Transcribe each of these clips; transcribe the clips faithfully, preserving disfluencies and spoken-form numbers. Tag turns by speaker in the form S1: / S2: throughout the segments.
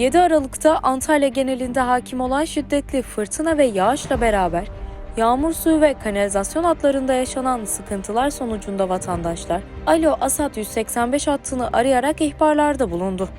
S1: yedi Aralık'ta Antalya genelinde hakim olan şiddetli fırtına ve yağışla beraber yağmur suyu ve kanalizasyon hatlarında yaşanan sıkıntılar sonucunda vatandaşlar Alo ASAD yüz seksen beş hattını arayarak ihbarlarda bulundu.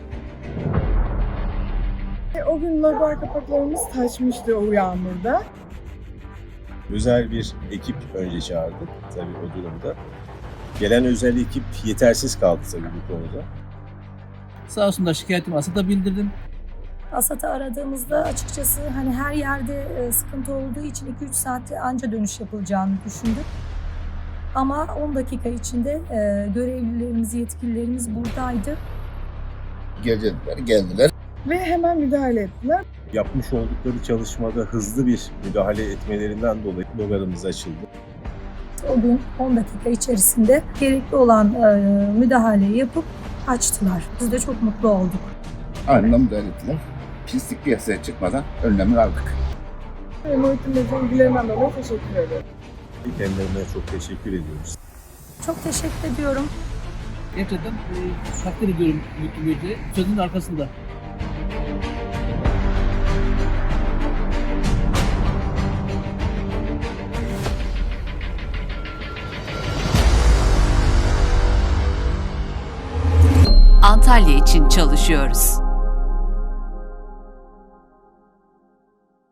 S2: O gün lazer kapaklarımız taşmıştı o yağmurda.
S3: Özel bir ekip önce çağırdık tabii o durumda. Gelen özel ekip yetersiz kaldı tabii bu konuda.
S4: Sağ olsunlar, şikayetimi ASAD'a bildirdim.
S5: ASAD'ı aradığımızda açıkçası hani her yerde sıkıntı olduğu için iki üç saatte anca dönüş yapılacağını düşündük. Ama on dakika içinde görevlilerimiz, yetkililerimiz buradaydı.
S6: Geldiler, geldiler.
S2: Ve hemen müdahale ettiler.
S3: Yapmış oldukları çalışmada hızlı bir müdahale etmelerinden dolayı logarımız açıldı.
S5: O gün on dakika içerisinde gerekli olan müdahaleyi yapıp açtılar. Biz de çok mutlu olduk.
S6: Anında müdahale ettiler. Pislik piyasaya çıkmadan önlemini aldık.
S2: Muhittin Bey'in ilgilerinden dolayı teşekkür ederim.
S3: Kendilerine çok teşekkür ediyoruz.
S5: Çok teşekkür ediyorum.
S4: Gerçekten e, takdir ediyorum Muhittin Bey'i. Sözünün arkasında.
S7: Antalya için çalışıyoruz.